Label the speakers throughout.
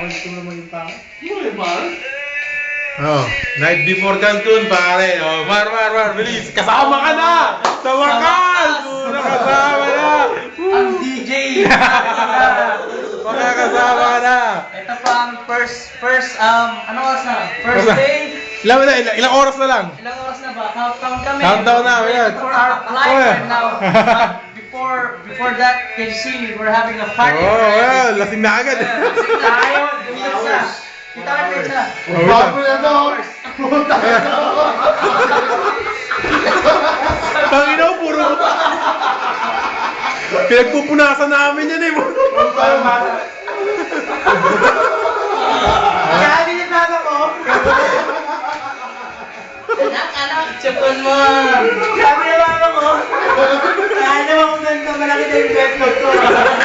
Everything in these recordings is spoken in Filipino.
Speaker 1: gusto mo maging pangit.
Speaker 2: Oh, night before Cancun, pare. Oh, Mar, bilis. Kasama ka na! Sa wakas! Nakasama na!
Speaker 1: Ang DJ!
Speaker 2: Makakasama ka na!
Speaker 1: Ito pa ang first, ano oras na? First day?
Speaker 2: Ilang oras na lang?
Speaker 1: Ilang oras na ba? Countdown kami.
Speaker 2: Countdown na, ayan.
Speaker 1: For our flight
Speaker 2: Oh, yeah.
Speaker 1: and now. Before that, can you see, we're having a party.
Speaker 2: Oh, well, lasing na agad.
Speaker 1: Lasing tayo. Kita ka pizza.
Speaker 2: Oh, bago
Speaker 3: na to!
Speaker 2: Tangina ko, puro pinagpupunasan namin yan eh.
Speaker 1: Kaya din yung mama mo. Anak, tsukon mo. Sabi ng mama mo. Kaya naman kung ganito malaki na yung bedrock ko.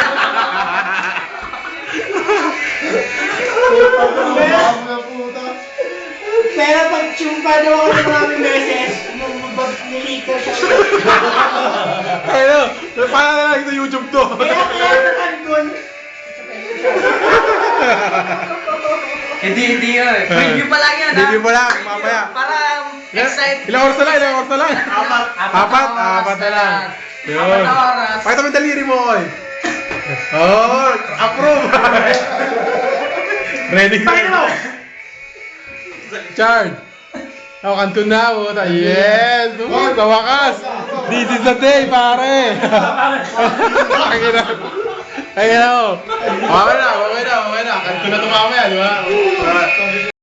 Speaker 1: Pero pag tsumpa daw ako ng maraming beses, nilito siya.
Speaker 2: Ano? Paano na lang ito YouTube to?
Speaker 1: Kaya sa Cancun. Hindi yun. Preview pa lang yan, ha?
Speaker 2: Preview pa lang, mamaya.
Speaker 1: Para excited.
Speaker 2: Ilang oras na lang? Apat na lang. Yun.
Speaker 1: 4 oras.
Speaker 2: Pakita mo yung daliri mo, oy. Oh, approve. Ready ka na. Charge. Ako, Cancun na, puta. Yes! Sa wakas! This is the day, pare! Ay, na mo. Okay na. Cancun na ito mamaya, di ba?